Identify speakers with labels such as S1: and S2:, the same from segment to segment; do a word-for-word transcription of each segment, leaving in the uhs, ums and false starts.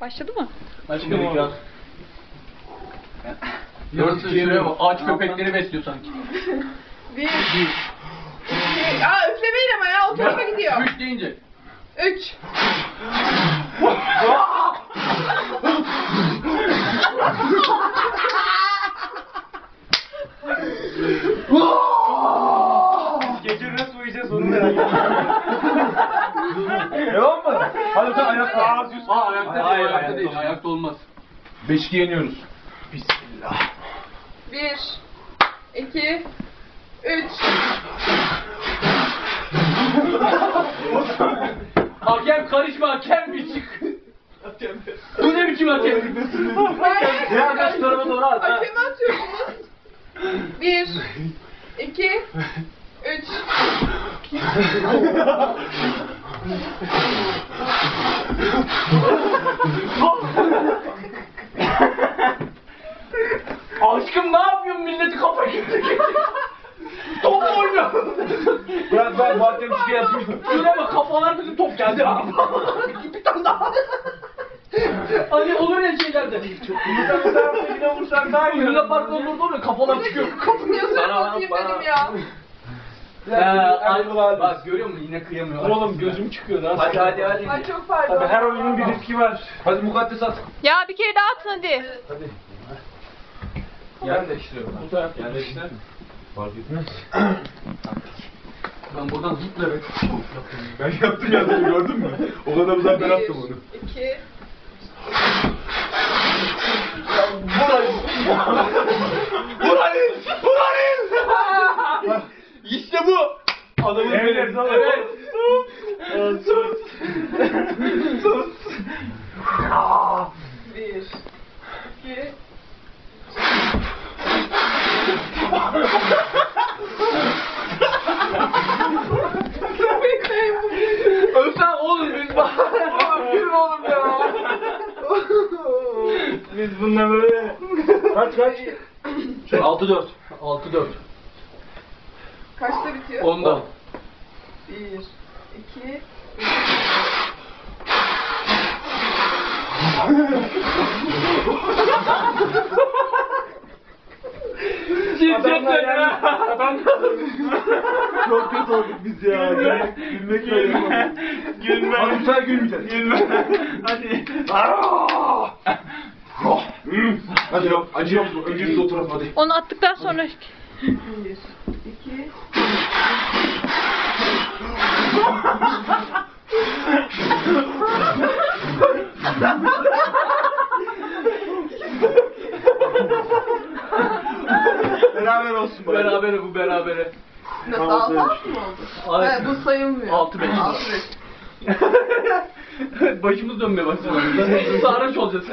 S1: Başladı mı?
S2: Aşkım olacak. Yarısı şuraya bak. Ağaç köpekleri besliyor sanki.
S3: Bir. İki. Aa üflemeyin ama ya. O tarafa gidiyor.
S2: Üç deyince.
S3: Üç.
S4: Gece nasıl uyuyacağız onu merak ediyorum.
S5: Devam mı? Hadi sen ayakta.
S4: Aa, düz.
S2: Aa ayakta değil.
S5: Hayır,
S2: Ayakta
S5: ayakta
S2: değil.
S5: olmaz.
S2: Ayakta olmaz.
S5: beş iki yeniyoruz. Bismillah.
S3: Bir. İki. Üç.
S2: Hakem karışma, hakem bir çık. Bu ne biçim hakem?
S3: Hayır.
S5: Ya kaç tarafa doğru at. ha?
S3: Hakeme atıyorsunuz. Bir. İki. Üç.
S2: Aşkım ne yapıyorsun? Milleti kafa gitti. Top mu oynuyor?
S5: Ben ben bu hakem bir şey yapmıştım.
S2: Şöyle bak kafalar bizim top geldi. Bir tane daha. Hani olur ya şeylerde.
S5: Vursan daha yine vursan daha iyi.
S2: Luna Park'ta olurdu olur ya kafalar çıkıyor.
S3: Yazık atayım dedim ya.
S2: Ya,
S5: Hadi ulan.
S2: bak görüyor musun yine kıyamıyor.
S5: Oğlum gözüm çıkıyor lan.
S2: Hadi hadi hadi.
S3: Ay çok pardon.
S4: Tabii her oyunun bir riski var.
S5: Hadi mukaddes at.
S1: Ya bir kere daha atın hadi.
S5: Hadi.
S2: Yer değiştiriyorum.
S5: Bu taraf yer değiştirir mi? Fark etmez.
S2: Ben buradan zıplayarak.
S5: Ben yaptım ya gördün mü? O kadar uzak ben attım onu.
S3: Bir. İki.
S5: Burayı. Burayı. Burayı. İşte bu. Adamın
S4: Evet,
S5: benim.
S4: evet.
S5: Evet. Sus. Sus.
S3: Bir. İki.
S2: Ölsen oğlum biz bak. Yürü oğlum ya.
S4: Biz bununla böyle... Kaç kaç?
S2: altı dört. altı dört.
S3: Kaçta bitiyor?
S2: Onda.
S3: Bir. İki.
S4: Adamlar yani. Adamlar.
S5: Çok kötü olduk biz ya. Gülmek, gülmek öyle.
S4: Gülme.
S5: Hadi bu sefer gülmeyeceğiz.
S4: Gülme. Hadi.
S5: Hadi yok. Acı yok. Önce biz oturalım hadi.
S1: Onu attıktan sonra...
S3: Bir. İki.
S5: Beraber olsun bari.
S2: Berabere bu berabere.
S3: Nasıl altı altı mı oldu?
S2: Ay.
S3: Evet, bu sayılmıyor.
S2: Altı beş.
S3: Altı beş.
S2: Başımız dönmeye başladı. Sarhoş olacağız.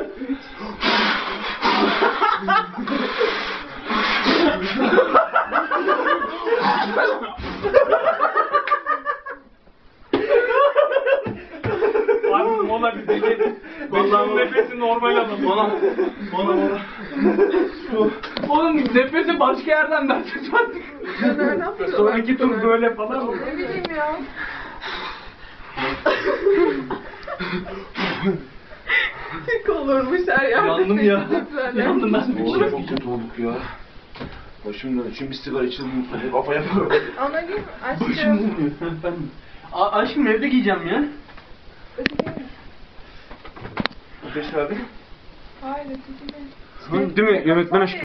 S4: Abi mola bir deneyelim. Vallahi nefesi normal adam.
S5: Bana. Bana bana.
S2: Oğlum nefesi başka yerden vereceğiz artık.
S3: Ya nereden biliyorlar?
S4: Sonraki tur böyle falan mı?
S3: Ne bileyim ya. Tek olurmuş her yerde.
S2: Yandım ya.
S3: seçecekler.
S2: Yandım ben.
S5: Oğlum çok kötü olduk ya. Başımdan için bir sigara içildim. Kafa yapıyorum.
S3: Anacığım,
S2: Başım
S3: aşkım.
S2: dönüyor. Ben... A aşkım evde giyeceğim ya.
S5: Beş abi.
S3: Hayır, öteki değil.
S4: Değil mi? Yönetmen aşkı.